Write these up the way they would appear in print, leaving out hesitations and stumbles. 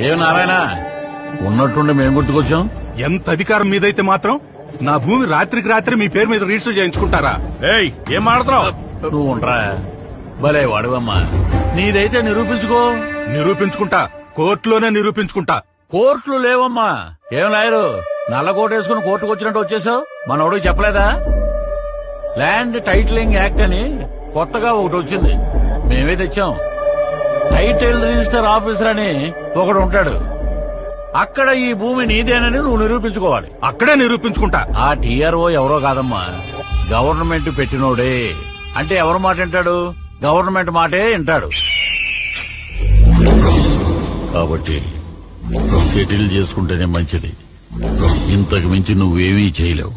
ఏం నారాయణ ఉన్నట్టుండి మేము గుర్తుకొచ్చాం. ఎంత అధికారం మీదైతే మాత్రం నా భూమి రాత్రికి రాత్రి మీ పేరు మీద రిజిస్టర్ చేయించుకుంటారా? ఏయ్ ఏం మాడుతున్నావు నువ్వు? ఉండరా భలే వాడువమ్మా. నీదైతే నిరూపించుకో. నిరూపించుకుంటా, కోర్టులోనే నిరూపించుకుంటా. కోర్టులు లేవమ్మా. ఏం లాయరు నల్ల కోట్ వేసుకుని కోర్టుకు వచ్చినట్టు వచ్చేసావు? మనోడికి చెప్పలేదా? ల్యాండ్ టైటిలింగ్ యాక్ట్ అని కొత్తగా ఒకటి వచ్చింది, మేమే తెచ్చాం. టైటిల్ రిజిస్టర్ ఆఫీసర్ అని ఒకడు ఉంటాడు. అక్కడ ఈ భూమి నీదేనని నువ్వు నిరూపించుకోవాలి. అక్కడే నిరూపించుకుంటా. ఆ టీఆర్ఓ ఎవరో కాదమ్మా, గవర్నమెంట్ పెట్టినోడే. అంటే ఎవరి మాట వింటాడు? గవర్నమెంట్ మాటే వింటాడు. కాబట్టి సెటిల్ చేసుకుంటేనే మంచిది. ఇంతకు మించి నువ్వేమీ చేయలేవు.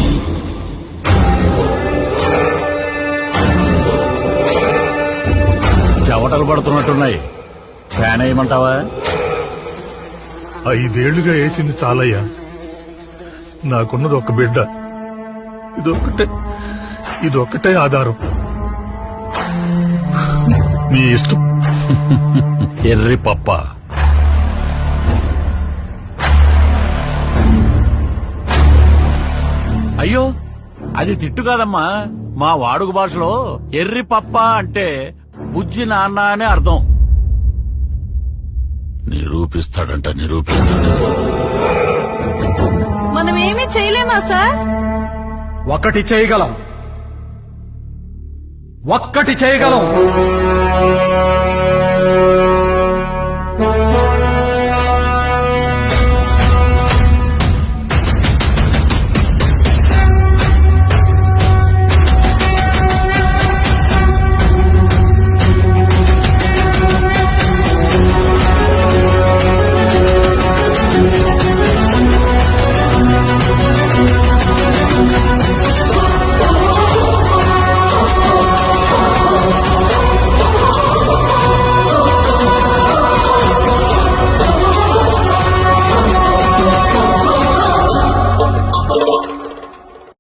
చెవటలు పడుతున్నట్టున్నాయి, ఫ్యాన్ వేయమంటావా? 5 ఏళ్లుగా వేసింది చాలయ్యా. నాకున్నది ఒక బిడ్డ, ఇదొక్కటే ఆధారం. మీ ఇష్టం. ఎర్రి పప్ప. అయ్యో అది తిట్టు కాదమ్మా. మా వాడుక భాషలో ఎర్రి పప్ప అంటే బుజ్జి నాన్న అనే అర్థం. నిరూపిస్తాడంట, నిరూపిస్తాడు. మనమేమీ చేయలేమా సార్? ఒక్కటి చేయగలం.